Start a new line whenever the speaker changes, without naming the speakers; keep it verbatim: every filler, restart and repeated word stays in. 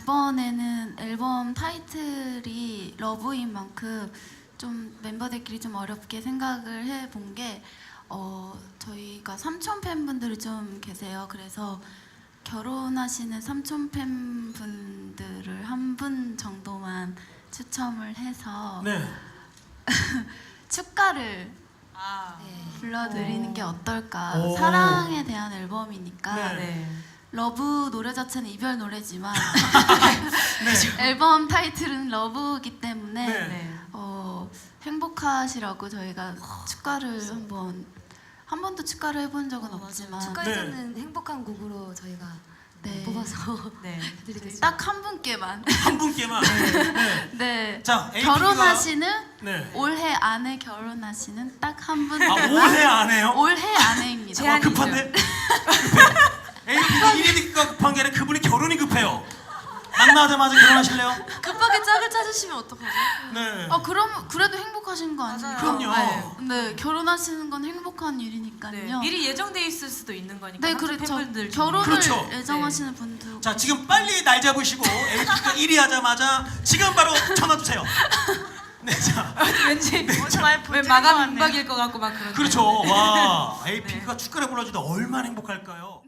이번에는 앨범 타이틀이 러브인 만큼 좀 멤버들끼리 좀 어렵게 생각을 해본 게 어, 저희가 삼촌 팬분들이 좀 계세요. 그래서 결혼하시는 삼촌 팬분들을 한 분 정도만 추첨을 해서
네.
축가를
아,
네, 불러드리는
오.
게 어떨까.
오.
사랑에 대한 앨범이니까
네.
네.
러브 노래 자체는 이별 노래지만
네.
앨범 타이틀은 러브이기 때문에
네.
네.
어, 행복하시라고 저희가 축가를 한번 한 번도 축가를 해본 적은
어,
없지만
축가에서는 행복한 곡으로 저희가
네.
뽑아서
네.
해드리겠습니다.
딱 한 분께만
한 분께만. 네.
네
자, 에이피가
결혼하시는
네.
올해 안에 결혼하시는 딱 한 분.
아, 올해 안 해요?
올해 안에입니다.
제한-
아, 급한데? 급해. 에이피가 일위가 급한 게 아니라 그분이 결혼이 급해요. 만나자마자 결혼하실래요?
급하게 짝을 찾으시면 어떡하죠?
네.
아 그럼 그래도 행복하신 거 아니에요?
그럼요.
네.
네 결혼하시는 건 행복한
네.
일이니까요.
미리 예정돼 있을 수도 있는 거니까.
네,
삼촌
그렇죠.
팬분들 중에.
결혼을
그렇죠.
예정하시는 분도.
자, 지금 빨리 날 잡으시고 에이피가 일 위 하자마자 지금 바로 전화 주세요. 네, 자.
왠지
정말
왜 마감 임박일 것 같고 막 그런.
그렇죠. 와, 에이피가 축가를 불러주다 얼마나 행복할까요?